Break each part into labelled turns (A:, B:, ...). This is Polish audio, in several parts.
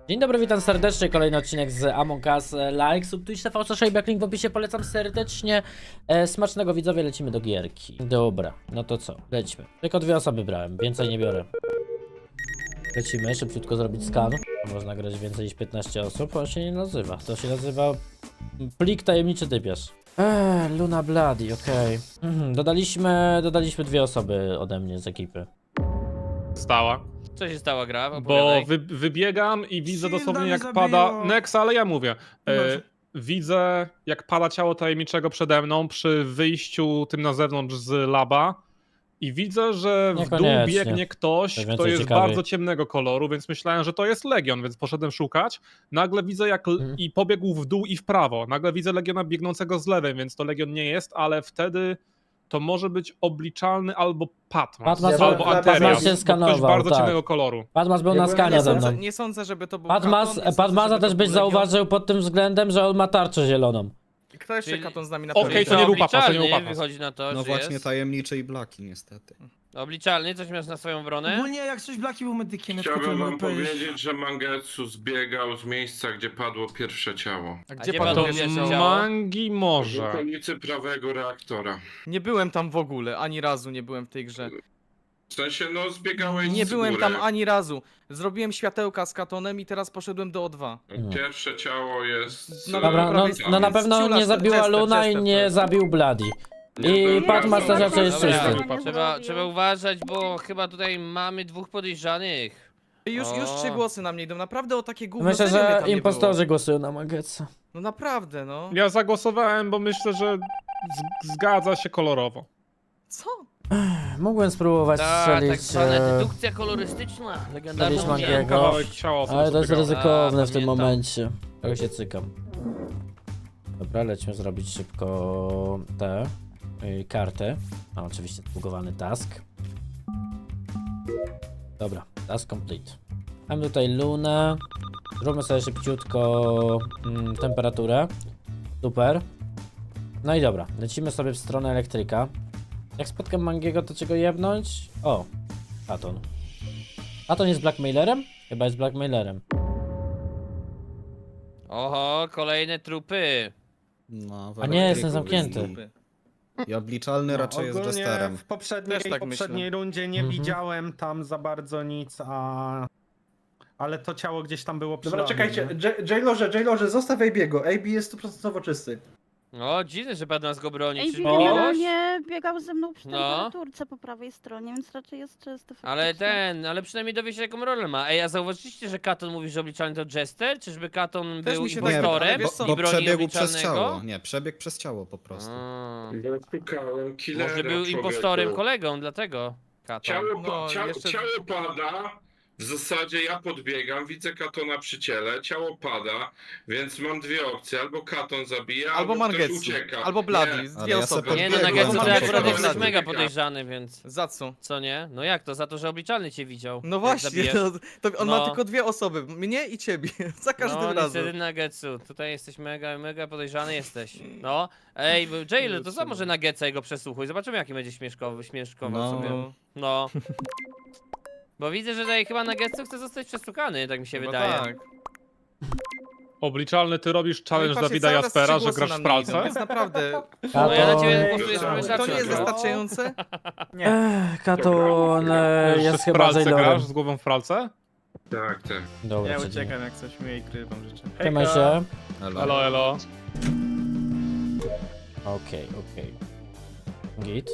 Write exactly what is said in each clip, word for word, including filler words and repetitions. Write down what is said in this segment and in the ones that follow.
A: Dzień dobry, witam serdecznie, kolejny odcinek z Among Us. Like, sub, Twitch, T V, Szejbiak, link w opisie, polecam serdecznie. E, smacznego widzowie, lecimy do gierki. Dobra, no to co, lećmy. Tylko dwie osoby brałem, więcej nie biorę. Lecimy, szybciutko zrobić skan. Można grać więcej niż piętnaście osób, on się nie nazywa. To się nazywa plik tajemniczy typiarz. Eee, Luna Bloody, okej. Okay. Mhm, dodaliśmy, dodaliśmy dwie osoby ode mnie z ekipy.
B: Stała.
C: Co się stało, gra?
B: Bo
C: Opowiadaj.
B: wy, wybiegam i widzę
D: Shielda
B: dosłownie
D: mnie
B: jak
D: zabiło.
B: pada. Nex, ale ja mówię. E,
D: Dobrze.
B: widzę jak pada ciało tajemniczego przede mną przy wyjściu tym na zewnątrz z laba. I widzę, że w dół
A: Niekoniecznie.
B: biegnie ktoś,
A: To
B: kto
A: więcej
B: jest
A: ciekawiej.
B: bardzo ciemnego koloru, więc myślałem, że to jest Legion, więc poszedłem szukać. Nagle widzę jak l-
A: Mhm.
B: i pobiegł w dół i w prawo. Nagle widzę Legiona biegnącego z lewej, więc to Legion nie jest, ale wtedy to może być obliczalny albo Patmas,
A: Patmas-
B: albo
A: Patmas
B: Anterias,
A: się
B: bo
A: skanował,
B: ktoś bardzo
A: tak.
B: ciemnego koloru.
A: Padmas był
E: Ja
A: na
E: byłem
A: skanie
E: na
A: ze
E: samym-
A: mną.
D: Nie, nie sądzę, żeby to był
A: Padmas,
D: Katon, nie sądzę,
A: Padmasa
D: żeby
A: też
D: to
A: byś
D: był Legion.
A: zauważył pod tym względem, że on ma tarczę zieloną.
D: Kto jeszcze
C: Czyli-
D: Katon z nami na
B: Okej,
D: pewno?
B: to nie był Papas, to nie był
C: obliczalny
B: Papas.
C: wychodzi na to,
E: No
C: że
E: właśnie
C: jest.
E: tajemniczy i blaki niestety.
C: Obliczalny, coś masz na swoją obronę?
D: Ogólnie jak coś Blaki był medykiem, ja tylko
F: Chciałbym
D: tyle
F: wam
D: mogę powiedzieć.
F: powiedzieć, że Mangetsu zbiegał z miejsca, gdzie padło pierwsze ciało.
D: A
C: gdzie
D: gdzie
C: padło
D: padł
B: To
C: pierwsze
D: pierwsze
C: ciało?
B: mangi
F: W
B: może.
F: okolicy prawego reaktora.
D: Nie byłem tam w ogóle, ani razu nie byłem w tej grze.
F: W sensie, no zbiegałeś
D: Nie
F: z
D: byłem
F: góry.
D: tam ani razu. Zrobiłem światełka z Katonem i teraz poszedłem do O dwa.
F: Pierwsze ciało jest...
D: No
F: e,
A: Dobra, no,
D: prawej
A: no na
D: stronie.
A: pewno
D: Ciula,
A: nie zabiła
D: Jester,
A: Luna i
D: Jester to
A: nie
D: jest.
A: zabił Bloody.
F: Nie,
A: I
F: dobra,
A: Patmas
F: dobra.
A: też raczej jest
C: Dobra,
A: czysty.
C: trzeba, trzeba uważać, bo chyba tutaj mamy dwóch podejrzanych.
D: Już, już
C: O.
D: trzy głosy na mnie idą, naprawdę o takie gówno.
A: Myślę,
D: serio mnie
A: że
D: tam nie
A: impostorzy
D: było.
A: głosują na Mangetsa.
D: No naprawdę, no.
B: Ja zagłosowałem, bo myślę, że z- zgadza się kolorowo.
D: Co?
A: Mogłem spróbować
C: Ta, tak
A: strzelić,
C: zwana
A: e,
C: dedukcja kolorystyczna. Legendarna
A: Strzelić
C: umiejętność.
A: Mangiego.
B: Kawałek ciała sobie
A: ale to jest
B: zbiegałem.
A: ryzykowne
C: A,
A: w tym
C: pamiętam.
A: momencie. Trochę się cykam. Dobra, lecimy zrobić szybko te y, karty. A oczywiście zbugowany task. Dobra, task complete. Mamy tutaj Lunę. Zróbmy sobie szybciutko mm, temperaturę. Super. No i dobra, lecimy sobie w stronę elektryka. Jak spotkam Mangiego, to czego jebnąć? O, Katon. Katon jest blackmailerem? Chyba jest blackmailerem.
C: Oho, kolejne trupy.
E: No, w
A: A nie, jestem
E: elektryku
A: zamknięty.
E: jest I obliczalny raczej jest
G: Ogólnie
E: Jesterem.
G: w poprzedniej,
D: Też tak
G: poprzedniej rundzie nie
A: Mhm.
G: widziałem tam za bardzo nic, a... Ale to ciało gdzieś tam było przy
H: Dobra,
G: labie,
H: czekajcie,
G: nie?
H: J- Jailorze, Jailorze, zostaw A B'ego. A B jest sto procent czysty.
C: O, dziwne, że pan nas go broni.
I: Ej,
C: Czy
G: O!
I: generalnie biegał ze mną przy
C: No.
I: temperaturce po prawej stronie, więc raczej jest czysty
C: Ale
I: faktycznie.
C: ten, ale przynajmniej dowie się jaką rolę ma. Ej, a zauważyliście, że Katon mówi, że obliczalny to Jester? Czyżby Katon
D: Też
C: był
D: mi się
E: Nie,
D: wydaje, ale
C: impostorem
D: wiesz co,
C: i
E: Bo
C: bronił
E: przebiegł przez
C: obliczalnego?
E: ciało. Nie, przebiegł przez ciało po prostu.
C: A,
F: Ja szukałem killera,
C: może był
F: człowieku.
C: impostorem, kolegą, dlatego Katon.
F: Ciało, pa-
D: No,
F: ciało,
D: jeszcze-
F: ciało pada, w zasadzie ja podbiegam, widzę Katona przy ciele, ciało pada, więc mam dwie opcje, albo Katon zabija,
D: Albo
F: albo, ktoś
D: Mangetsu,
F: ucieka.
D: albo Bloody,
F: Nie.
E: Ale
D: dwie
E: ja
D: osoby.
E: se
C: Nie no,
E: podbiegłem,
C: na Getsu
E: za
C: to
E: to
C: akurat
E: podbiegłem.
C: jesteś
F: Podbiegam.
C: mega podejrzany, więc
D: Za co?
C: co nie? No jak to? Za to, że obliczalny cię widział.
D: No
C: jak
D: właśnie,
C: zabijesz.
D: no, to on
C: No.
D: ma tylko dwie osoby, mnie i ciebie, za każdym
C: No
D: razem.
C: niestety na Getsu, tutaj jesteś mega, mega podejrzany jesteś. No, ej, bo Jail, to sam może na Getsa jego przesłuchuj, zobaczymy jaki będzie śmieszkowy, śmieszkował
E: No.
C: sobie. No. Bo widzę, że tutaj chyba na Getsu chce zostać przesłuchany, tak mi się
D: Chyba
C: wydaje.
D: tak.
B: Obliczalny, ty robisz challenge
D: No i patrzcie,
B: Dawida
D: cały czas
B: Jaspera,
D: trzy
B: że
D: głosy
B: grasz
D: na
B: w
D: mnie idą,
B: pralce?
D: Więc naprawdę,
C: No ja na ciebie
F: Katon-
C: głosuję, żeby
F: To
D: to nie
C: zacząć.
D: jest wystarczające?
A: Ech, Katon e,
B: Że
A: jest
B: w
A: chyba
B: pralce
A: Jailorem.
B: grasz z głową w pralce?
F: Tak, tak.
A: Dobra,
G: Ja
A: przeciwnie.
G: uciekam jak coś mnie i kryję wam życzę.
A: Trzymaj się.
E: Elo.
B: Elo, elo.
A: Okej, okej. Git.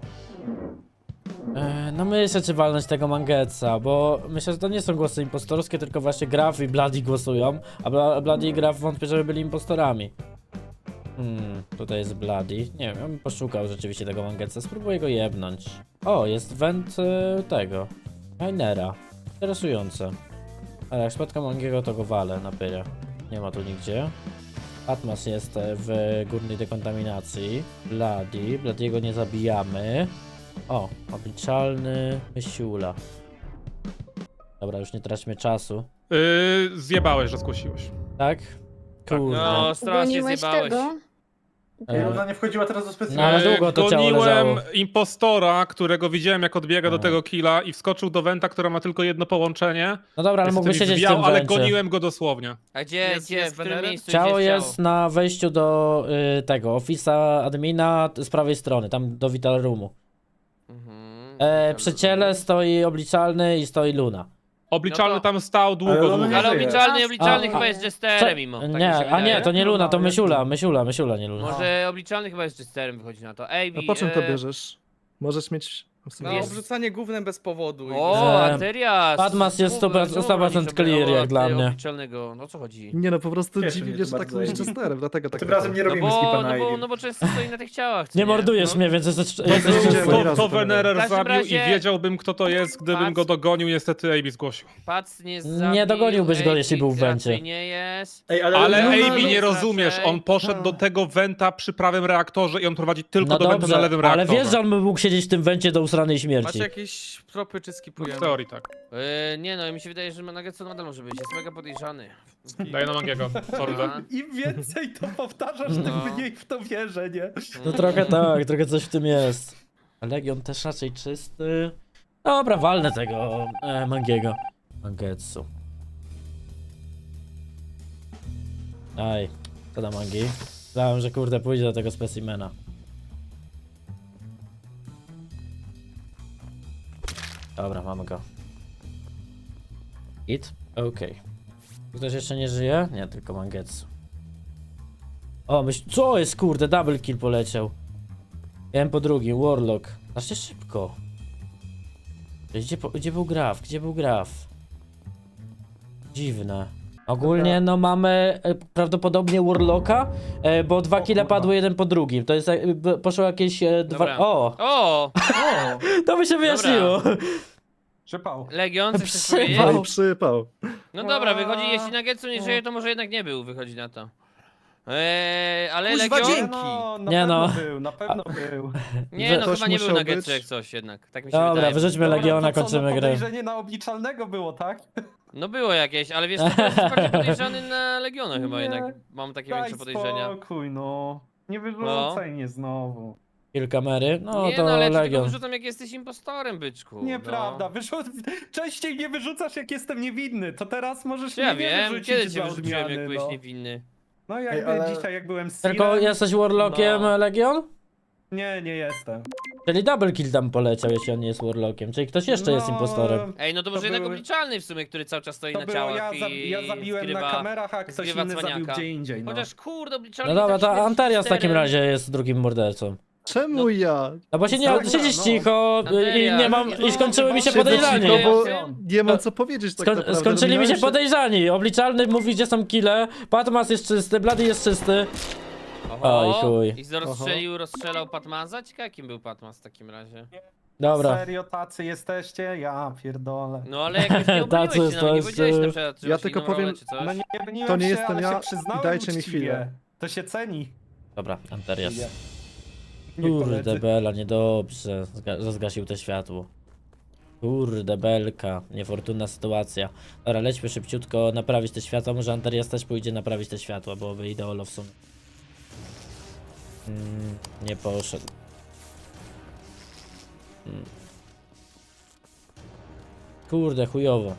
A: E, No myślę, czy walnąć tego Mangetsa, bo myślę, że to nie są głosy impostorskie, tylko właśnie Graf i Bloody głosują, a Bla Bloody i Graf wątpię, żeby byli impostorami. Hmm, tutaj jest Bloody. Nie wiem, ja bym poszukał rzeczywiście tego Mangetsa, spróbuję go jebnąć. O, jest węd e, tego. Minera. Interesujące. Ale jak spotkam Mangiego, to go walę na pyrę. Nie ma tu nigdzie. Atmas jest e, w górnej dekontaminacji. Bloody. Bloody'ego nie zabijamy. O, obliczalny Mysiula. Dobra, już nie traćmy czasu.
B: Yy, zjebałeś, że zgłosiłeś.
A: Tak? Kurde.
C: No, strasznie
J: Goniłeś
C: zjebałeś.
J: tego?
H: I ona nie wchodziła teraz do
A: No,
H: specjalnego.
A: ale
B: E,
A: długo to ciało
B: Goniłem
A: leżało.
B: impostora, którego widziałem jak odbiega do
A: A.
B: tego killa i wskoczył do Wenta, która ma tylko jedno połączenie.
A: No dobra, ale
B: Niestety
A: mógłby
B: mi
A: siedzieć w
B: zwiał,
A: tym
B: ale
A: wencie.
B: goniłem go dosłownie.
C: A gdzie,
D: Jest-
C: gdzie,
D: jest
C: w którym
D: Venery?
C: miejscu
A: Ciało
C: gdzie
A: jest na wejściu do y, tego, ofisa admina t- z prawej strony, tam do Vital Roomu.
C: Mhm.
A: E, przy ciele stoi obliczalny i stoi Luna.
B: Obliczalny
C: No to-
B: tam stał długo,
H: Ale on
B: długo.
H: nie
C: Ale
H: żyje.
C: obliczalny, obliczalny
A: A,
C: chyba
A: a,
C: jest
A: Co?
C: Jesterem mimo. Tak mi się
A: Nie, a
C: wydaje.
A: nie, to nie
H: No,
A: Luna,
H: no,
A: to
H: jest
A: Mysiula,
H: to.
A: Mysiula, Mysiula, nie Luna.
C: Może obliczalny chyba jest Jesterem wychodzi na to. Ej,
J: A po czym to
C: e,
J: bierzesz? Możesz mieć... w sumie-
D: Na
C: Jest.
D: obrzucanie gównem bez powodu.
C: O,
A: Że
C: Anterias!
A: Padmas jest
C: Czemu-
A: sto procent
C: czemu bronisz
A: clear,
C: obli-
A: jak dla
C: o,
A: mnie.
C: Obliczalnego, no o co chodzi?
J: Nie no, po prostu
H: Cieszy
J: dziwi
H: mnie
J: mnie,
H: to
J: że tak
H: bardzo,
J: mówisz
H: Amy.
J: Chesterem, dlatego tak
H: Tym razem nie
C: No
H: robimy
C: bo,
H: skipa na
C: no, bo,
H: Ivy.
C: no bo często stoi na tych ciałach, co
A: Nie mordujesz
C: no.
A: mnie, więc jesteś,
J: nie
A: jesteś
J: będzie
A: czysty.
J: ani
B: To,
J: razu
B: to
J: to nie
B: Venerer
C: W każdym
B: zabił
C: razie-
B: i wiedziałbym kto to jest, gdybym
C: Pac-
B: go dogonił, niestety Amy zgłosił.
C: Pac nie
A: Nie
C: zabił,
A: dogoniłbyś go,
C: Ej,
A: jeśli był w
C: raczej
A: wencie.
C: nie jest.
H: Ej,
B: Ale
H: Luna-
B: Amy
C: Luna
B: nie
C: lub
B: rozumiesz,
C: raczej-
B: on poszedł do tego Wenta przy prawym reaktorze i on prowadzi tylko
A: No
B: do Wenta na
A: dobrze,
B: lewym
A: ale
B: reaktorze.
A: wiesz, że on by mógł siedzieć w tym wencie do usranej
D: Macie
A: śmierci.
D: jakieś tropy czy
B: No,
D: skipujemy?
B: w teorii tak.
C: Yy, nie no, mi się wydaje, że Nuggetson nadal może być, jest mega podejrzany.
B: Daję na Mangiego. Sorry.
C: A?
G: Im więcej to powtarzasz, tym
C: No.
G: mniej w to wierzę, nie?
A: No trochę tak, trochę coś w tym jest. Legion też raczej czysty. Dobra, walnę tego e, Mangiego. Mangetsu. Aj, co da Mangi? Myślałem, że kurde pójdzie do tego specimena. Dobra, mamy go. Hit? Okej. Ktoś jeszcze nie żyje? Nie, tylko Mangetsu. O, myśl... Co jest kurde? Double kill poleciał. Jeden po drugim, Warlock. Znacznie szybko. Gdzie, po- gdzie był Graf? Gdzie był Graf? Dziwne. Ogólnie no mamy e, prawdopodobnie Warlocka, e, bo dwa
G: O
A: kile
G: kurwa.
A: padły jeden po drugim. To jest e, b- poszło jakieś e, dwa...
C: Dobra.
A: O!
C: O!
A: To by się wyjaśniło.
G: Przypał.
C: Legion, coś chcesz
A: Przypał.
C: powiedzieć?
J: No i przypał.
C: No dobra, wychodzi, jeśli Nuggetsu nie żyje, to może jednak nie był, wychodzi na to. Eee, ale
D: Kuźwa,
C: Legion...
D: dzięki.
G: No, na
A: Nie
G: pewno
A: no.
G: był, na pewno był.
C: Nie no,
J: Ktoś
C: chyba nie był
J: musiał
C: Nuggetsu
J: być.
C: jak coś jednak, tak mi się
A: Dobra,
C: wydaje.
A: wyrzućmy
G: Dobra,
A: Legiona,
G: to co,
A: kończymy
G: no,
A: grę.
G: podejrzenie na obliczalnego było, tak?
C: No było jakieś, ale wiesz, to jest bardziej podejrzany na Legiona chyba
G: Nie.
C: jednak. Mam takie
G: Daj
C: większe podejrzenia.
G: spokój, no. Nie wyrzucaj mnie znowu.
A: Kill kamery. No
C: nie
A: to
C: no, ale ja ci tylko
A: Legion.
C: wyrzucam jak jesteś impostorem, byczku.
G: Nieprawda, wyrzu... częściej nie wyrzucasz jak jestem niewinny, to teraz możesz
C: No. Ja
G: mnie nie
C: wiem,
G: wyrzucić
C: kiedy cię
G: dla
C: wyrzuciłem, jak
G: odmiany,
C: byłeś
G: no.
C: niewinny.
G: No jakby
H: Ej, ale-
G: dzisiaj jak byłem z
A: Tylko
G: Sirem-
A: jesteś Warlockiem,
G: No.
A: Legion?
G: Nie, nie jestem.
A: Czyli double kill tam poleciał, jeśli on nie jest Warlockiem. Czyli ktoś jeszcze jest
G: No,
A: impostorem.
C: Ej, no to
G: To
C: może jednak
G: były-
C: obliczalny w sumie, który cały czas stoi
G: To
C: na
G: było,
C: ciałach
G: ja, za,
C: i
G: ja zabiłem
C: zgrywa...
G: na kamerach, a ktoś
C: zgrywa
G: inny zabił
C: cwaniaka.
G: gdzie indziej, no.
C: Chociaż kurde, obliczalny
A: No dobra,
C: tak
A: to
C: śmierci
A: Anterias w takim
C: sterem.
A: razie jest drugim mordercą.
J: Czemu
C: No.
J: ja?
A: No bo się nie,
G: Dobra,
A: siedzisz
G: no.
A: cicho i
C: Anterias,
A: nie mam,
C: no,
A: i skończyły mi się
C: chyba
A: podejrzani.
J: cicho, bo
C: Anterias.
J: nie mam co powiedzieć tak
A: Skoń,
J: naprawdę.
A: skończyli mi się
J: Dominałem
A: podejrzani. Obliczalny mówi, gdzie są kile. Patmas jest czysty, Bloody jest czysty. Oj,
C: Oho,
A: chuj.
C: I rozstrzelił, rozstrzelał Patmaza? Ciekawe jakim był Patmaz w takim razie.
A: Dobra.
G: Serio tacy jesteście? Ja pierdolę.
C: No ale jakoś nie
A: Tacy
C: obroniłeś się na mnie, nie
A: jesteście-
C: powiedziałeś na przykład, że
J: Ja
C: masz
J: tylko
C: inną rolę
J: powiem-
C: czy coś.
G: No nie broniłem
J: To nie
G: się,
J: jestem
G: ale
J: ja
G: się
J: i
G: przyznałem
J: dajcie mi
G: uczciwie.
J: chwilę.
G: To się ceni.
A: Dobra, Anterias.
G: Nie,
A: Kurde
G: koledzy.
A: bela, niedobrze, zga- że zgasił to światło. Kurde belka, niefortunna sytuacja. Dobra, lećmy szybciutko naprawić te światła, może Anterias też pójdzie naprawić te światła, byłoby ideolo w sumie. Mm, nie poszedł. Mm. Kurde, chujowo.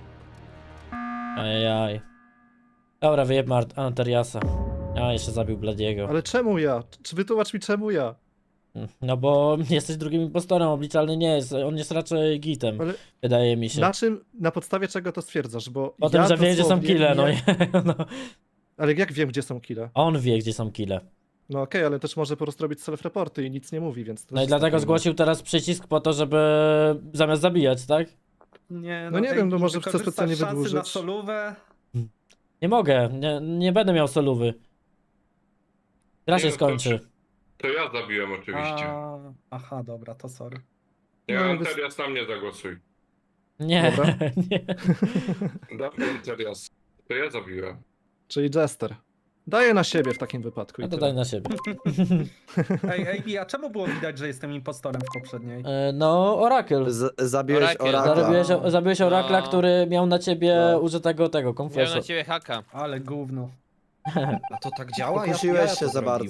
A: Ajajaj. Dobra, wyjebmy Art- Anteriasa. A, jeszcze zabił Bladiego.
J: Ale czemu ja? Czy wytłumacz mi czemu ja?
A: No bo jesteś drugim impostorem, obliczalny nie jest, on jest raczej gitem,
J: Ale
A: wydaje mi się.
J: na czym, na podstawie czego to stwierdzasz? Bo
A: O tym,
J: ja
A: że wie, gdzie są
J: dosłownie
A: kile, no,
J: nie-
A: nie, no.
J: Ale jak wiem, gdzie są kile?
A: On wie, gdzie są kile.
J: No okej, ale też może po prostu robić self-reporty i nic nie mówi, więc... to
A: No i
J: jest
A: dlatego
J: takie-
A: zgłosił teraz przycisk po to, żeby zamiast zabijać, tak?
G: Nie,
J: No nie
G: ej,
J: wiem, no może
G: wykorzystasz
J: chce specjalnie
G: szansy na
J: wydłużyć.
G: solówę.
A: Nie mogę, nie, nie będę miał solówy. Gra
F: Nie,
A: się
F: to
A: skończy.
F: To ja zabiłem oczywiście.
G: A, aha, dobra, to sorry.
F: Nie,
J: No,
F: Anterias na mnie zagłosuj.
A: Nie,
J: Dobra.
A: nie.
F: Dawaj Anterias. To ja zabiłem.
J: Czyli Jester. Daję na siebie w takim wypadku.
A: No
J: i
A: to
J: tyle.
A: daj na siebie.
G: Ej, ej, a czemu było widać, że jestem impostorem w poprzedniej?
A: E, No, Oracle.
K: Z, zabiłeś
C: Orakel.
K: Orakla.
A: Zabiłeś, zabiłeś Orakla,
C: No.
A: który miał na ciebie
K: No.
A: użytego tego,
C: Miał na
A: konfesu.
C: ciebie haka.
E: No
G: Ale gówno.
E: A to tak działa? Ja,
K: Pokusiłeś
E: ja
K: się
E: to
K: za bardzo.
E: zrobiłem.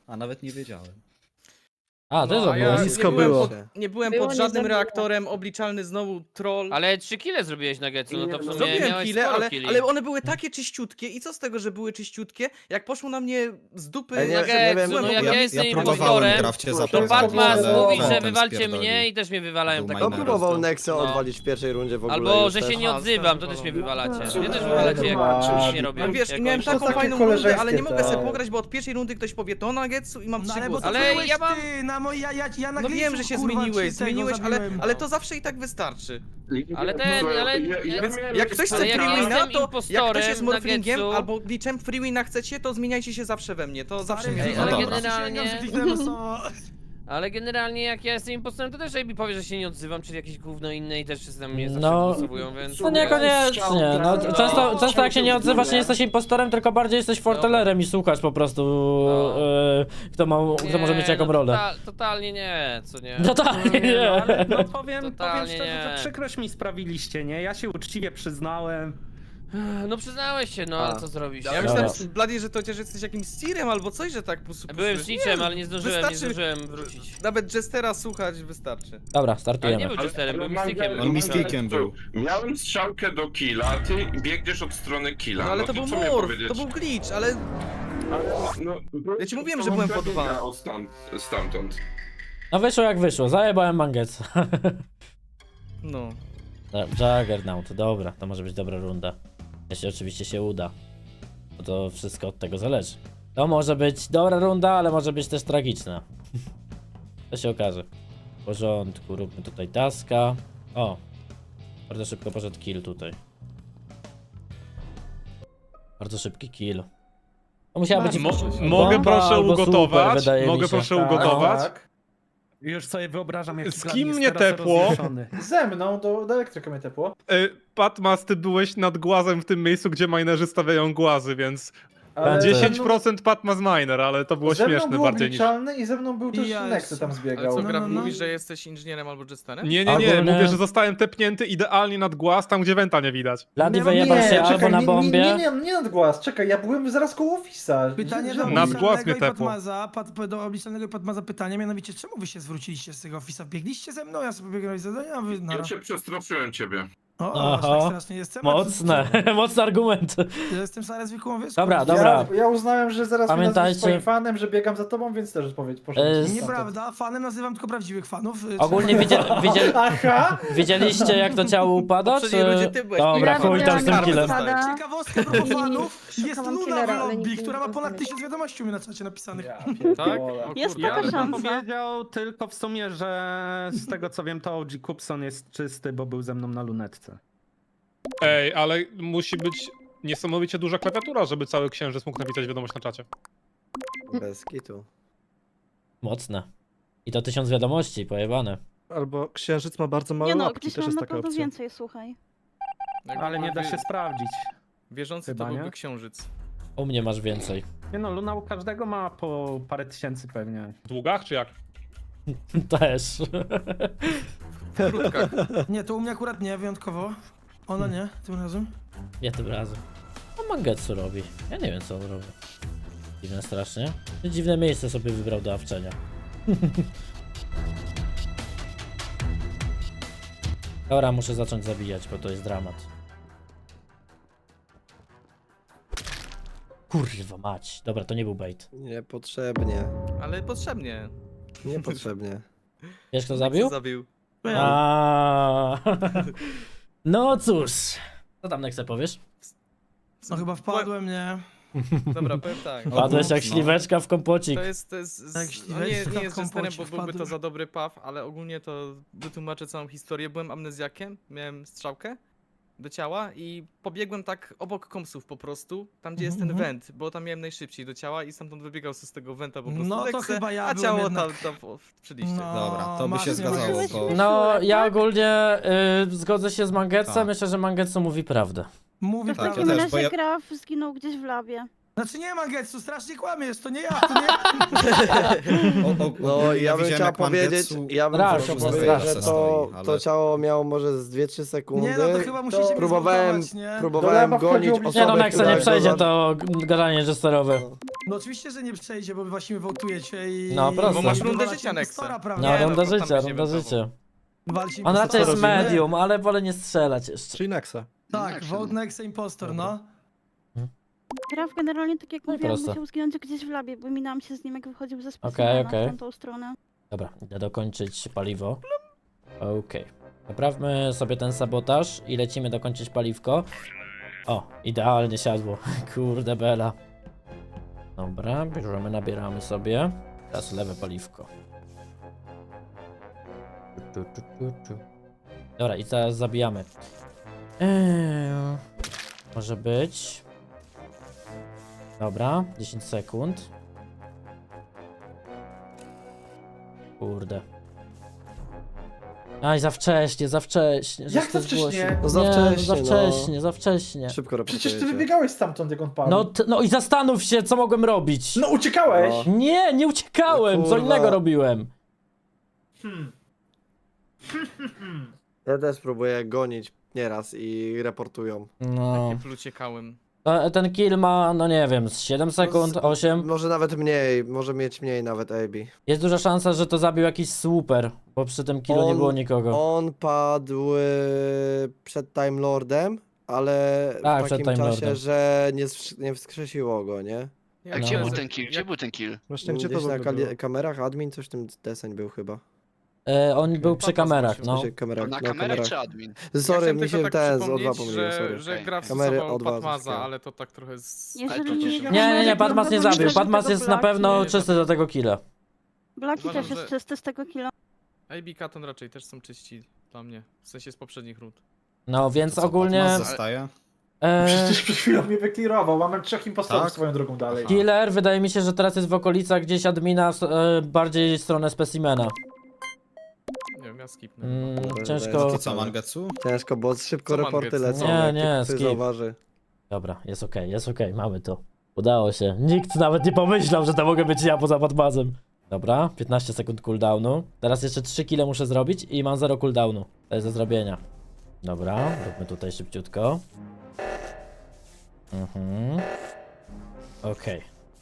E: A nawet nie wiedziałem.
A: A, ty
D: No, a ja
A: zrobiłeś.
J: Blisko
D: nie byłem
J: było.
D: pod, nie byłem
K: Było
D: pod żadnym
K: niezabawne.
D: reaktorem, obliczalny znowu troll.
C: Ale trzy kile zrobiłeś na Getsu, no to w sumie
D: Zrobiłem
C: miałeś
D: kile,
C: sporo
D: ale,
C: killi.
D: ale one były takie czyściutkie i co z tego, że były czyściutkie, jak poszło na mnie z dupy...
K: Ej, nie-
D: że
C: Na Getsu,
K: wiem,
C: no
D: byłem
C: jak
D: po
C: ja
E: Ja,
C: jestem
E: ja próbowałem
C: impostorem,
E: graf cię
K: to
C: to
E: zapewnić,
C: Patmas
E: ale
C: mówi, że
E: Phantom
C: wywalcie
E: spierdolił.
C: mnie i też mnie wywalają
E: Był
C: tak
E: minor.
C: po
K: To
C: prostu.
K: próbował Nexę
C: No.
K: odwalić w pierwszej rundzie w ogóle.
C: Albo,
K: już
C: że
K: też.
C: się nie
D: Aha,
C: odzywam, to
D: zostałem
C: też mnie
D: wywalony.
C: wywalacie. Mnie też
H: Ale
C: wywalacie,
H: to
C: jak
H: ma-
C: nic nie robię.
D: No wiesz, i
C: jakoś.
D: miałem
H: To
D: taką
H: takie
D: fajną rundę, ale
H: koleżeńskie,
D: nie mogę sobie
H: tak.
D: pograć, bo od pierwszej rundy ktoś powie to na Getsu i mam
G: No
D: trzy
G: ale bo
D: głosy.
G: to
C: Ale
G: byłeś
C: ja mam-
G: ty, na moj, ja, ja, ja na
D: No wiem, że
G: Glitchu,
D: się
G: kurwa,
D: zmieniłeś,
G: ci tego
D: zmieniłeś, ale,
G: zabiłem.
D: ale to zawsze i tak wystarczy.
C: Ale ten, ale...
F: Ja- ja
C: Więc
F: miałem
D: Jak ktoś chce
C: Ale jak
D: free wina,
C: jestem
D: to jak
C: impostorem
D: ktoś jest
C: na
D: morflingiem
C: Getsu-
D: albo glitchem free wina chcecie, to zmieniajcie się zawsze we mnie, to zawsze mnie
C: Ej,
E: no
C: ale
E: dobra.
C: generalnie...
G: generalnie...
C: Ale generalnie jak ja jestem impostorem, to też Ejbi powie, że się nie odzywam, czyli jakieś gówno inne i też wszyscy na mnie zawsze
A: No,
C: głosowują, więc...
A: No niekoniecznie, no często, często jak się nie odzywasz, nie jesteś impostorem, tylko bardziej jesteś fortelerem i słuchasz po prostu,
C: No.
A: e, kto, ma, kto może mieć jaką
C: no,
A: rolę.
C: Total, totalnie nie, co nie.
A: No tak,
G: Nie, no,
A: nie.
G: ale no powiem, powiem
C: Totalnie
G: szczerze,
C: nie.
G: że przykrość mi sprawiliście, nie? Ja się uczciwie przyznałem.
C: No przyznałeś się, no ale
K: A.
C: co zrobisz?
D: Ja
A: Dobra.
D: myślałem, Bloody, że to chociaż jesteś jakimś steerem albo coś, że tak po prostu...
C: Byłem
D: puszczesz.
C: snitchem,
D: Nie,
C: ale nie zdążyłem, nie
D: wystarczy-
C: zdążyłem wrócić.
D: Nawet Jestera słuchać wystarczy.
A: Dobra,
C: Ale nie
A: startujemy.
C: był Jesterem, był mistykiem.
E: On mistykiem był.
F: Miałem strzałkę do killa, ty biegniesz od strony killa.
D: No ale to
F: to
D: był
F: co miałem
D: morf,
F: powiedzieć?
D: to był glitch, ale...
F: No,
D: Ja ci mówiłem, że byłem po dwa.
F: biegał Stamtąd, stamtąd.
A: No wyszło jak wyszło, zajebałem Mangetsa.
D: No.
A: Juggernaut, dobra, to może być dobra runda. Jeśli oczywiście się uda. Bo to wszystko od tego zależy. To może być dobra runda, ale może być też tragiczna. To się okaże. W porządku, róbmy tutaj taska. O! Bardzo szybko poszedł kill tutaj. Bardzo szybki kill. To musiała być...
B: Mo
A: bomba
B: mogę proszę
A: albo
B: ugotować?
A: super, wydaje mi
B: Mogę
A: się.
B: proszę
G: Tak,
B: ugotować?
H: Tak.
G: Już sobie wyobrażam, jak
B: Z kim mnie tepło?
H: Ze mną do, do elektryka mnie tepło.
B: Y, Patmas, ty byłeś nad głazem w tym miejscu, gdzie minerzy stawiają głazy, więc
H: Ale
B: dziesięć procent Patmas miner, ale to było
H: ze mną
B: śmieszne
H: był
B: bardziej niż...
H: obliczalny i ze mną był też
G: Ja
H: Nexy tam
G: jestem-
D: Ale
H: zbiegał.
D: co,
G: No,
D: Graf,
G: no, no.
D: mówisz, że jesteś inżynierem albo Jesterem?
B: Nie, nie, nie,
A: Ogólnie-
B: mówię, że zostałem tepnięty idealnie nad głaz, tam gdzie wenta nie widać.
A: Bloody
G: Nie,
A: wyjebał
H: nie,
A: się
H: czekaj,
A: albo na
H: nie,
A: bombie.
H: Nie, nie, nie, nie nad głaz, czekaj, ja byłem zaraz koło Office'a.
G: Pytanie
H: Że-
G: do
H: że-
B: Nad
G: obliczalnego
B: głaz mnie
G: i
B: tepło.
G: Patmaza, pat, do obliczalnego i Patmaza pytanie, mianowicie czemu wy się zwróciliście z tego Office'a? Biegliście ze mną, ja sobie biegłem z zadania, a wy...
F: Ja
G: nara.
F: cię przestraszyłem ciebie.
G: O, o, aż
A: Aha.
G: tak strasznie jestem.
A: Mocne, mocny argument.
G: Ja jestem stary zwykłą wyspą.
A: Dobra,
H: Ja,
A: dobra.
H: ja uznałem, że zaraz mnie
A: Pamiętajcie-
H: nazwiesz swoim fanem, że biegam za tobą, więc też odpowiedź poszedłem.
A: E,
H: stamtąd.
G: Nieprawda, fanem nazywam tylko prawdziwych fanów.
A: Ogólnie widziel, widziel,
H: Aha!
A: widzieliście jak to ciało upada,
D: W poprzedniej
A: czy...
D: rundzie ty byłeś.
A: Dobra,
I: Ja
A: chuj tam z tym
I: widziałam,
A: killem.
I: jak spada.
G: Ciekawostka propos fanów, jest
K: Szukałam
G: Luna
K: killera,
G: w
K: ale
G: lobby,
K: nigdy
G: która
K: nie
G: ma ponad
K: pamiętam.
G: tysiąc wiadomości u mnie na czacie napisanych.
H: Ja
D: Tak?
H: pierdolę.
D: O
I: Jest
D: kurde.
I: taka
G: Ja bym
I: szansa.
G: powiedział tylko w sumie, że z tego co wiem, to O G Kupson jest czysty, bo był ze mną na lunetce.
B: Ej, ale musi być niesamowicie duża klawiatura, żeby cały księżyc mógł napisać wiadomość na czacie.
K: Bez kitu.
A: Mocne. I to tysiąc wiadomości, pojebane.
J: Albo księżyc ma bardzo małe
I: Nie no,
J: łapki,
I: gdzieś
J: też
I: mam
J: jest
I: na
J: taka
I: pewno
J: opcja.
I: więcej, słuchaj.
D: Jakby
G: Ale nie da
D: wie-
G: się sprawdzić.
D: Wierzący
G: Chyba,
D: to byłby
G: nie?
D: księżyc.
A: U mnie masz więcej.
G: Nie no, Luna u każdego ma po parę tysięcy pewnie.
B: W długach czy jak?
A: Też.
D: W krótkach.
G: Nie, to u mnie akurat nie, wyjątkowo. Ona nie, tym razem.
A: Nie tym razem. No Mangetsu robi. Ja nie wiem co on robi. Dziwne strasznie. Dziwne miejsce sobie wybrał do awczenia. Dobra, muszę zacząć zabijać, bo to jest dramat. Kurwa mać. Dobra, to nie był bait.
K: Niepotrzebnie.
D: Ale potrzebnie.
K: Niepotrzebnie.
A: Wiesz kto zabił?
D: Zabił.
A: A. No cóż. Co tam Nexe powiesz?
G: No chyba wpadłem, nie?
D: Dobra, powiem tak.
A: Padłeś jak
E: no.
A: śliweczka w kompocik.
D: To jest, to jest
G: Tak,
D: z, no nie,
G: śliweczka
D: nie
G: w
D: jest Jesterem, bo
G: kompocie
D: byłby to
G: wpadłem.
D: za dobry paw, ale ogólnie to wytłumaczę całą historię. Byłem amnezjakiem, miałem strzałkę do ciała i pobiegłem tak obok komsów po prostu, tam gdzie jest ten
G: Mhm.
D: went, bo tam miałem najszybciej do ciała i stamtąd wybiegał z tego wenta po prostu
G: No to
D: Nexe,
G: chyba ja
D: a
G: byłem
D: ciało
G: jednak-
D: tam, tam po- przy liście.
G: No,
E: Dobra, to by
G: masz
E: się
G: nie
E: zgadzało,
I: Byłeś
E: bo...
A: No,
I: Szurek,
A: ja
I: tak?
A: ogólnie y, zgodzę się z Mangetsu.
E: Tak.
A: Myślę, że Mangetsu mówi prawdę.
G: Mówi
I: To w
E: Tak, ja
I: takim
E: też,
I: razie
E: bo ja-
I: Graf zginął gdzieś w labie.
G: Znaczy nie, Mangetsu, strasznie kłamiesz, to nie ja, to nie ja.
E: O, o,
K: No
E: ogólnie
K: ja bym
E: widziałem,
K: chciał
E: jak
K: powiedzieć,
E: Mangetsu-
K: ja bym
A: Strasz,
K: chciał
A: no,
K: powiedzieć,
A: strasz
K: że
E: se
K: to,
E: stoi, ale-
K: to ciało miało może z dwie trzy sekundy.
G: Nie no, to chyba musicie mnie
K: Próbowałem,
G: zmontować, nie?
K: próbowałem
H: Dobra,
K: gonić
H: wchodził
K: osobę,
A: Nie no, Nexe
K: która
A: nie przejdzie
K: go za-
A: to g- gadanie jesterowe.
G: No oczywiście, że nie przejdzie, bo wy właśnie wołtujecie i...
A: No, prosto.
D: Bo masz rundę
G: wywalacie
D: życia, Nexe.
G: impostora,
A: No,
G: prawda?
D: Nie, no,
A: runda
D: to tam
A: życia,
D: byś nie
A: runda
D: wydawał.
A: życia.
G: Wywalcie
A: On raczej jest
G: impostora.
A: medium, ale wolę nie strzelać jeszcze.
J: Czyli Nexa.
G: Tak, vote Nexe impostor, no.
I: Graf generalnie, tak jak
A: No i
I: mówiłam,
A: prosto.
I: musiał zginąć gdzieś w labie, bo minęłam się z nim, jak wychodził ze
A: Okej,
I: specimena
A: okej.
I: w tamtą stronę.
A: Dobra, idę dokończyć paliwo. Okej. Naprawmy sobie ten sabotaż i lecimy dokończyć paliwko. O, idealnie siadło. Kurde bela. Dobra, bierzemy, nabieramy sobie. Teraz lewe paliwko. Tu, tu, tu, tu. Dobra, i teraz zabijamy. Eee, może być. Dobra, dziesięć sekund. Kurde. Aj, za wcześnie, za wcześnie. żeś
H: Jak
A: to
H: za wcześnie?
A: zgłosił.
K: No za
A: Nie,
K: wcześnie,
A: za
K: no.
A: wcześnie, za wcześnie.
K: Szybko
H: Przecież ty
K: reportujecie.
H: wybiegałeś stamtąd, jak on padł.
A: No, t- no i zastanów się, co mogłem robić.
H: No uciekałeś!
K: No.
A: Nie, nie uciekałem,
K: No
A: co
K: kurwa.
A: innego robiłem.
H: Hmm.
K: Ja też próbuję gonić nieraz i reportują.
A: No.
D: Takie pluciekałem.
A: To- Ten kill ma, no nie wiem, z siedem sekund,
K: z-
A: osiem.
K: Może nawet mniej, może mieć mniej nawet A B.
A: Jest duża szansa, że to zabił jakiś super, bo przy tym killu nie
K: On-
A: było nikogo.
K: On padł e, przed Time Lordem, ale
A: Tak,
K: w
A: przed
K: takim
A: Time
K: czasie,
A: Lordem.
K: że nie, wskrzy- nie wskrzesiło go, nie?
D: Ja
A: A
D: nie
A: gdzie
D: wiem,
A: był
D: że-
A: ten
D: jak-
L: Gdzie był ten kill?
J: Właśnie gdzie to
K: Gdzieś
J: w
K: na
J: ogóle było?
K: kali- kamerach admin, coś w tym deseń był chyba.
A: E, on był przy
D: Papa
A: kamerach,
D: zgłosił.
A: no.
K: Znaczy, kamerach,
L: Na
K: no,
L: kamerach
K: kamerach.
L: czy admin?
K: Sorry,
D: chciałem
K: mi
D: tylko
K: się
D: tak
K: ten z O dwa
D: przypomnieć,
K: pomyliłem,
D: że,
K: sorry.
D: że
L: Okej.
D: gra
K: Kamery
D: wstosował
K: O dwa
D: Patmaza,
K: zyskałem.
D: ale to tak trochę z...
I: Jeżeli
K: to-
I: nie,
A: Nie, nie, nie, Patmas nie zabił, Patmas jest na pewno czysty do tego killa.
I: Blaki
D: Uważam,
I: też jest
D: że-
I: czysty z tego killa.
D: A B Katon raczej też są czyści dla mnie. W sensie z poprzednich rund.
A: No więc ogólnie...
E: zostaje?
A: E,
H: Przecież przed chwilą mnie wyklirował, mamy trzech impostorów
E: Tak?
H: swoją drogą dalej.
A: killer wydaje mi się, że teraz jest w okolicach gdzieś admina, e, bardziej w stronę specimena.
D: Nie wiem, ja skipnę.
A: Mm,
K: Kurde,
A: ciężko...
E: To co, Mangetsu?
K: Ciężko, bo szybko
D: Co
K: reporty
D: Mangetsu?
K: lecą.
A: Nie,
K: jak
A: nie,
K: ktoś
A: skip.
K: zauważy.
A: Dobra, jest okej, jest okej, mamy to. Udało się. Nikt nawet nie pomyślał, że to mogę być ja poza Patmazem. Dobra, piętnaście sekund cooldownu. Teraz jeszcze trzy kile muszę zrobić i mam zero cooldownu. To jest do zrobienia. Dobra, róbmy tutaj szybciutko. Mhm. Okej.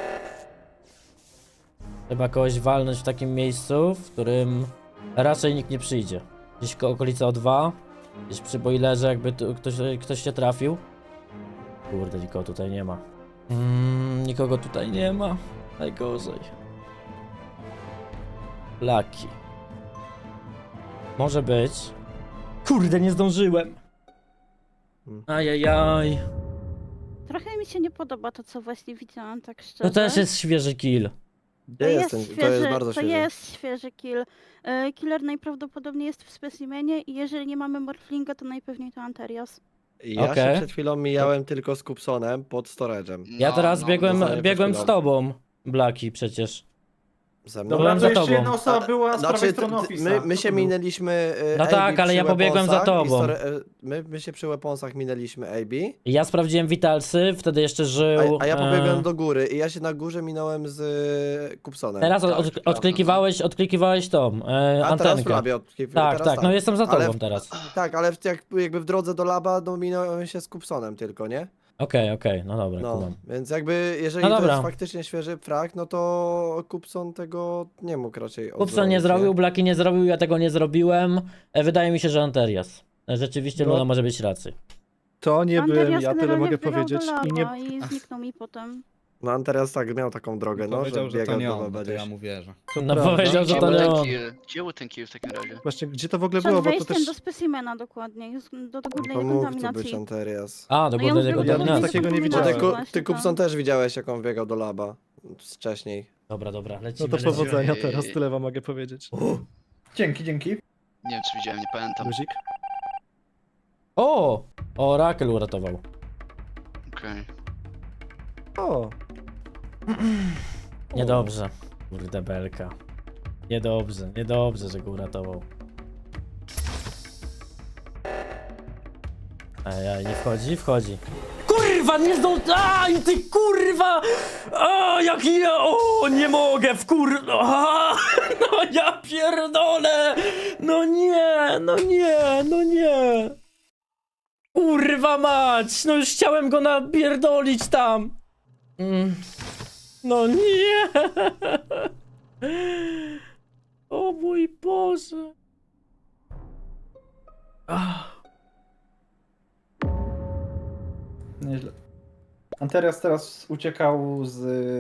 A: Trzeba kogoś walnąć w takim miejscu, w którym raczej nikt nie przyjdzie. Gdzieś koło okolicy O dwa. Gdzieś przy boilerze, jakby tu ktoś, ktoś się trafił. Kurde, nikogo tutaj nie ma. Mm, nikogo tutaj nie ma. Najgorzej. Lucky. Może być. Kurde, nie zdążyłem.
K: Hmm.
A: Ajajaj.
I: Trochę mi się nie podoba to, co właśnie widziałam, tak szczerze.
A: To też jest świeży kill.
K: Gdzie jest ten? To jest bardzo
I: to
K: świeży.
I: jest świeży kill. E, Killer najprawdopodobniej jest w specimenie i jeżeli nie mamy Morflinga, to najpewniej to Anterias.
K: Ja
A: Okej.
K: się przed chwilą mijałem tylko z Kupsonem pod storage'em.
A: Ja
L: No,
A: teraz
L: no,
A: biegłem,
K: zostanie
A: biegłem
K: przed
A: z
K: chwilą.
A: tobą. Blaki przecież.
K: Ze mną.
A: Dobra,
H: Dobra,
A: byłem
H: to
A: za
H: jeszcze
A: tobą.
H: jedna osoba była z prawej
K: Znaczy,
H: strony
K: ty- ty-
H: Office'a.
K: my, my
H: Kto
K: się
H: to był?
K: minęliśmy. e,
A: No
K: A B
A: tak, ale
K: przy
A: ja pobiegłem za
K: weaponsach i
A: tobą.
K: store- e, My, my się przy weaponsach minęliśmy A B.
A: I ja sprawdziłem Vitalsy, wtedy jeszcze żył.
K: A, a ja pobiegłem
A: e,
K: do góry i ja się na górze minąłem z e, Kupsonem.
A: Teraz od,
K: Tak,
A: od,
K: prawda.
A: odklikiwałeś, odklikiwałeś tą e,
K: A teraz w
A: antenkę.
K: labie odklikuję,
A: Tak,
K: teraz
A: tak, no jestem za tobą
K: Ale w-
A: teraz.
K: Tak, ale w, jak, jakby w drodze do laba, no minąłem się z Kupsonem tylko, nie?
A: Okej, okej, no dobra,
K: No,
A: kumam.
K: więc jakby, jeżeli
A: No
K: to
A: dobra.
K: jest faktycznie świeży frag, no to Kupson tego nie mógł raczej
A: Kupson nie
K: odrobić,
A: zrobił, Blaki nie zrobił, ja tego nie zrobiłem. E, wydaje mi się, że Anterias. E, Rzeczywiście
J: No.
A: Luna może być racji.
J: To nie byłem
I: Anterias
J: ja, tyle
I: generalnie
J: mogę
I: wbiegał
J: powiedzieć.
I: do
J: I nie...
I: laba i zniknął mi potem.
K: No on teraz tak miał taką drogę, no,
E: Powiedział,
K: że
E: że to
K: biegał
E: nie
K: do
E: on,
K: laba
E: to ja
K: gdzieś.
E: mu wierzę.
J: To
A: No
J: prawda.
A: powiedział, że
L: Gdzie
A: to
L: był
A: nie
L: ten
A: on.
L: kill? Gdzie był ten kill w takim razie?
J: Właśnie, gdzie to w ogóle
I: Przed
J: było, bo to
I: wejściem
J: też...
I: do specimena dokładnie, już do, do górnej
K: To mógł to być
I: dekontaminacji.
K: Anterias.
A: A, do
I: No i on
A: górnej
I: zbiegł
J: Ja
I: do
J: nic
I: górnej
A: dekontaminacji.
J: takiego nie
K: Bo
J: widziałem.
K: ty,
I: dekontaminacji
K: Ku-
I: właśnie,
K: ty
I: tak.
K: Kupson też widziałeś, jak on biegał do laba wcześniej.
A: Dobra, dobra,
J: No
A: lecimy.
J: to
A: lecimy.
J: powodzenia
L: Ej.
J: teraz, tyle wam mogę powiedzieć.
H: Dzięki, dzięki.
L: Nie wiem, czy widziałem, nie pamiętam.
J: Luzik?
A: O! O, Rakel uratował.
L: Okej.
J: O,
A: Niedobrze. Kurde belka. Niedobrze, niedobrze, że go uratował. Ej, nie wchodzi? Wchodzi. Kurwa, nie zdąż... Aj, ty kurwa! A, jaki ja... O, nie mogę, w kur... A, no ja pierdolę! No nie, no nie, no nie! Kurwa mać! No już chciałem go napierdolić tam! Mm. No nie! O mój Boże! Ach.
H: Nieźle. Anterias teraz uciekał z...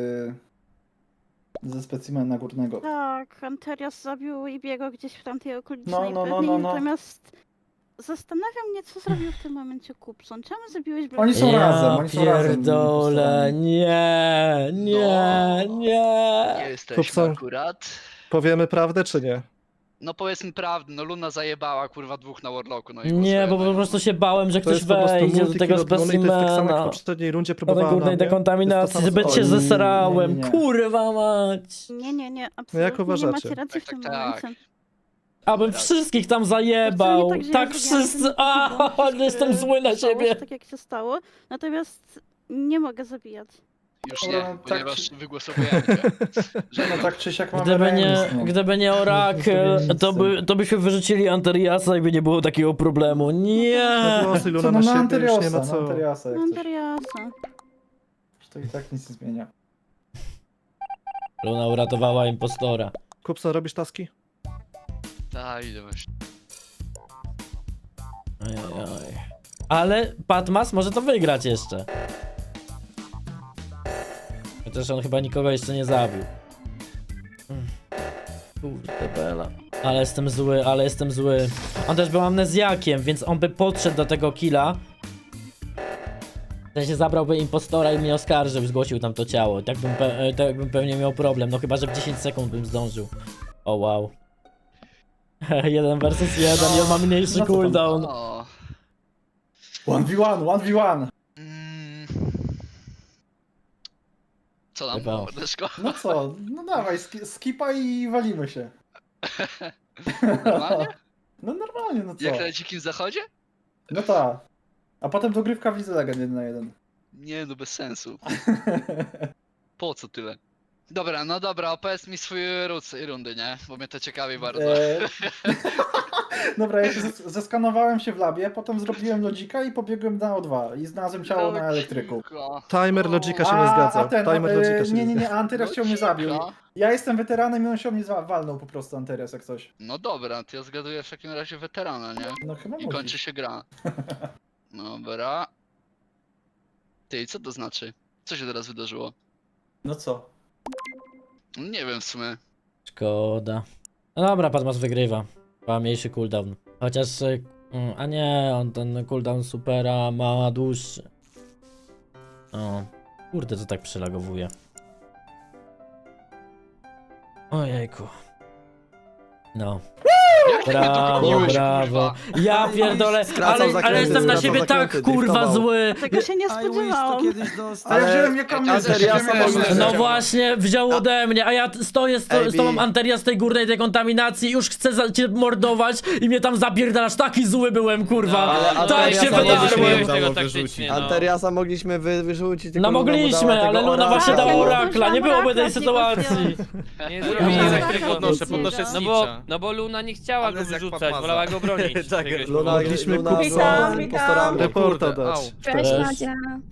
H: ze specimena górnego.
I: Tak, Anterias zabił Ibiego gdzieś w tamtej okolicy
H: No, no, no,
I: najpewniej,
H: no, no.
I: natomiast zastanawiam mnie, co zrobił w tym momencie Kupson. Czemu zabiłeś
H: Oni są
A: Ja
H: razem, oni są razem
A: pierdolę,
H: impostorami.
A: nie, nie,
L: No.
A: nie.
L: Nie jesteśmy
J: Kupson.
L: akurat.
J: Powiemy prawdę czy nie?
L: No powiedzmy prawdę, no Luna zajebała kurwa dwóch na Warlocku, no i
A: Nie, bo
L: głosujemy.
A: po prostu się bałem, że
J: To
A: ktoś
J: jest po prostu
A: wejdzie do
J: multi
A: tego
J: kill od Luny i to jest tak samo jak w
A: specimena.
J: poprzedniej rundzie
A: Do tej
J: próbowała na
A: górnej
J: mnie.
A: dekontaminacji,
J: Jest to samo
A: zbyt się
J: co-
H: nie,
A: zesrałem,
H: nie, nie.
A: kurwa mać.
I: Nie, nie, nie,
J: No jak
I: absolutnie nie
J: uważacie?
I: macie racji w
L: Tak,
I: tym
L: tak, tak.
I: momencie.
A: Abym wszystkich tam zajebał.
I: To nie tak, że
A: Tak
I: ja zrobiłam
A: wszyscy.
I: ten
A: A,
I: błąd,
A: ale jestem
I: że
A: zły na
I: stało się
A: ciebie.
I: Tak jak się stało, natomiast nie mogę zabijać.
L: Już
H: Dobra,
L: nie,
H: tak
L: ponieważ
H: czy-
L: wygłosowujemy cię.
H: No tak czy siak mamy
A: Gdyby nie,
H: remis, no.
A: gdyby nie Orakel,
H: Nic
A: to,
H: z
A: by, to byśmy wyrzucili Anteriasa i by nie było takiego problemu. Nie!
J: Głosy Luna
H: Co,
J: na
H: no na
J: siebie, już nie
H: Anteriasa,
J: ma
H: na
J: co.
H: Anteriasa jak coś.
I: Anteriasa.
H: To i tak nic nie zmienia.
A: Luna uratowała impostora.
J: Kupson, robisz taski?
L: Tak, idę właśnie.
A: Ojej. Ale Patmas może to wygrać jeszcze. Chociaż on chyba nikogo jeszcze nie zabił. Mm. Kurde bela. Ale jestem zły, ale jestem zły. On też był amnezjakiem, więc on by podszedł do tego killa. W sensie zabrałby impostora i mnie oskarżył, zgłosił tam to ciało. Tak bym, pe tak bym pewnie miał problem, no chyba, że w dziesięć sekund bym zdążył. O wow. jeden versus jeden i on ma mniejszy
H: No co tam?
A: cooldown.
L: O.
H: jeden v jeden, jeden v jeden.
L: Mm. Co tam,
A: Chyba.
L: mordeczko?
H: No co, no dawaj, ski skipa i walimy się.
L: Normalnie?
H: No normalnie, no co?
L: Jak na dzikim zachodzie?
H: No tak. A potem dogrywka w Lidze Legend jeden na jeden.
L: Nie, no bez sensu. Po co tyle? Dobra, no dobra, opowiedz mi swój ród z tej rundy, nie? Bo mnie to ciekawi bardzo.
H: Eee, Dobra, ja się zes- zeskanowałem się w labie, potem zrobiłem lodzika i pobiegłem na O dwa i znalazłem ciało na elektryku.
L: Logika.
J: Timer Logika się
H: A,
J: nie zgadza.
H: a ten,
J: Timer
H: e,
J: Logika się
H: nie, nie,
J: zgadza.
H: nie, Anterias chciał mnie zabił.
L: Logika?
H: Ja jestem weteranem i on się o mnie za- walnął po prostu, Anterias, jak coś.
L: No dobra, to ja zgaduję w takim razie weterana, nie?
H: No chyba
L: I
H: musi.
L: kończy się gra. Dobra. Ty, co to znaczy? Co się teraz wydarzyło?
H: No co?
L: Nie wiem w sumie.
A: Szkoda. No dobra, Patmas wygrywa. Ma mniejszy cooldown. Chociaż... y, mm, A nie, on ten cooldown supera ma dłuższy. O. Kurde, to tak przylagowuje. Ojejku. No.
L: Jak ty mnie
A: Brawo,
L: dogoniłeś,
A: brawo.
L: kurwa?
A: Ja pierdolę,
K: Skracał
A: ale, ale
K: zakręty,
A: jestem na
K: skracał
A: siebie tak
K: zakręty,
A: kurwa
K: driftował.
A: zły.
I: Tego się nie
G: I wish to
I: spodziewałam.
G: kiedyś dostać.
H: Ale ja
K: Ale-
H: wziąłem jak amnezję,
K: Anteriasa
H: wziąłem
K: mogli-
H: amnezję.
A: No właśnie, wziął ode mnie, a ja t- stoję z, to, z
K: Ej,
A: tobą
K: Bi.
A: Anteria z tej górnej dekontaminacji, już chcę za, cię mordować i mnie tam zapierdalasz, taki zły byłem, kurwa.
K: ale
A: tak
K: Anteriasa
A: się
K: mogliśmy-
A: wydarzyło.
C: Zrobiłeś tego
E: Udało
C: taktycznie,
E: wyrzucić.
C: no.
K: Anteriasa mogliśmy wy, wyrzucić, tylko
A: No
K: Luna mu dała
A: mogliśmy,
K: tego
A: ale Luna
K: oraka.
A: właśnie
I: Tak,
A: dała
I: ja nie
A: orakla, nie byłoby tej
I: zdążyłam
A: sytuacji.
C: Nie
I: Ja
C: zrobili
I: tak
C: elektryku.
D: podnoszę, podnoszę
C: No bo,
D: Snitcha.
C: no bo Luna nie chciała go
D: Amnezja jak
C: wyrzucać,
D: Patmaza.
C: wolała go bronić.
K: Tak,
C: Czegoś
K: Luna,
C: powodu.
J: Mogliśmy
K: Luna
J: kupić-
K: była
M: Witam,
K: impostorami.
J: Reporta
D: Kurde,
J: dać.
D: au.
M: Cześć
A: Cześć.
M: Madzia.